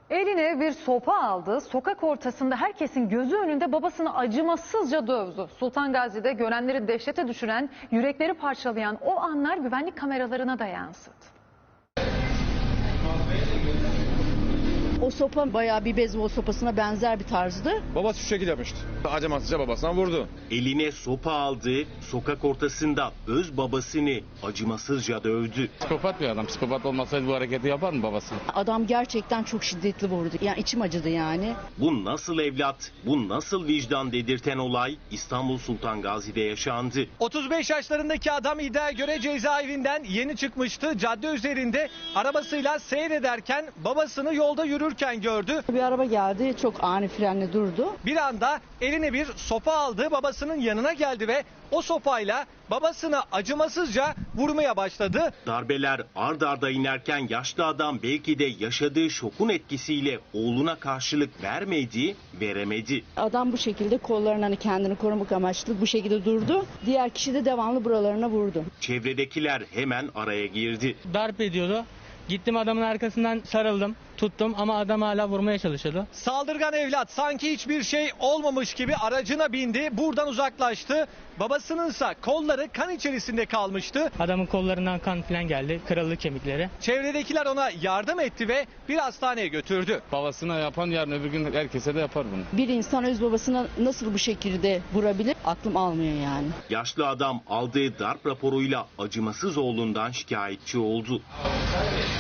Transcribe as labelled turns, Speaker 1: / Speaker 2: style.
Speaker 1: Eline bir sopa aldı, sokak ortasında herkesin gözü önünde babasını acımasızca dövdü. Sultan Gazi'de görenleri dehşete düşüren, yürekleri parçalayan o anlar güvenlik kameralarına da yansıdı.
Speaker 2: O sopa bayağı bir beyzbol sopasına benzer bir tarzdı.
Speaker 3: Babası şu şekilde yapmıştı. Acımasızca babasına vurdu.
Speaker 4: Eline sopa aldı, sokak ortasında öz babasını acımasızca dövdü.
Speaker 5: Psikopat bir adam. Psikopat olmasaydı bu hareketi yapar mı babası?
Speaker 2: Adam gerçekten çok şiddetli vurdu. Yani içim acıdı yani.
Speaker 4: Bu nasıl evlat, bu nasıl vicdan dedirten olay İstanbul Sultan Gazi'de yaşandı.
Speaker 6: 35 yaşlarındaki adam iddiaya göre cezaevinden yeni çıkmıştı. Cadde üzerinde arabasıyla seyrederken babasını yolda yürürken gördü.
Speaker 2: Bir araba geldi, çok ani frenle durdu.
Speaker 6: Bir anda eline bir sopa aldı, babasının yanına geldi ve o sopayla babasını acımasızca vurmaya başladı.
Speaker 4: Darbeler ard arda inerken yaşlı adam belki de yaşadığı şokun etkisiyle oğluna karşılık veremedi.
Speaker 2: Adam bu şekilde kollarını hani kendini korumak amaçlı bu şekilde durdu. Diğer kişi de devamlı buralarına vurdu.
Speaker 4: Çevredekiler hemen araya girdi.
Speaker 7: Darp ediyordu. Gittim adamın arkasından sarıldım, tuttum ama adam hala vurmaya çalışıyordu.
Speaker 6: Saldırgan evlat sanki hiçbir şey olmamış gibi aracına bindi, buradan uzaklaştı. Babasınınsa kolları kan içerisinde kalmıştı.
Speaker 7: Adamın kollarından kan falan geldi, kırıldı kemikleri.
Speaker 6: Çevredekiler ona yardım etti ve bir hastaneye götürdü.
Speaker 5: Babasına yapan yarın öbür gün herkese de yapar bunu.
Speaker 2: Bir insan öz babasına nasıl bu şekilde vurabilir? Aklım almıyor yani.
Speaker 4: Yaşlı adam aldığı darp raporuyla acımasız oğlundan şikayetçi oldu.